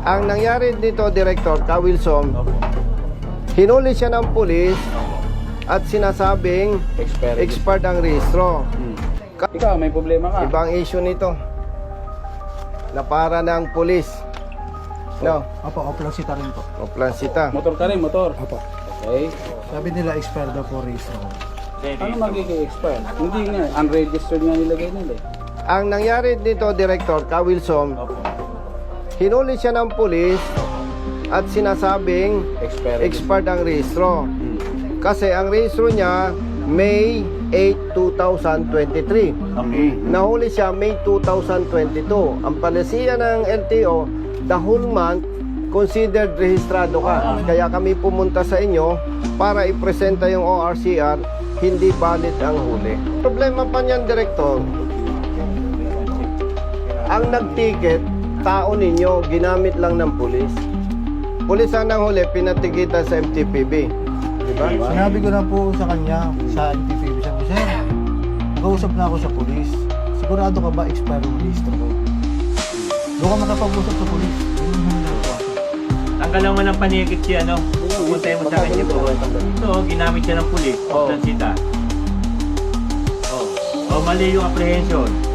Ang nangyari dito, Director Ka Wilson, hinuli siya ng pulis at sinasabing expired ang rehistro. Ikaw, may problema ka. Ibang issue nito na para ng pulis. No? Opo, oplansita rin po. O plansita. Motor ka rin, motor. Opo. Okay. Sabi nila expired daw po race ko. Ano magiging expire? Hindi nga, unregistered nga nilagay nila eh. Ang nangyari dito, Director Ka Wilson, hinuli siya ng pulis at sinasabing expired ang rehistro. Kasi ang rehistro niya, May 8, 2023. Okay. Nahuli siya May 2022. Ang palisiya ng LTO, the whole month, considered rehistrado ka. Kaya kami pumunta sa inyo para ipresenta yung ORCR, hindi valid ang huli. Problema pa niyan, Director, ang nagticket, tao ninyo, ginamit lang ng pulis. Pulis ang huli, pinatikitan sa MTPB. Diba? Sinabi ko na po sa kanya, sa NTPB, sabi ko, sir, nag-uusap na ako sa polis. Sigurado ka ba expired ang registro ko? Doon ka makapag-usap sa polis. Tanggalan mo ng panigit siya, no? Pupuntay mo sa kanya po. Ito, ginamit siya ng pulis, plansita. O, mali yung apprehension.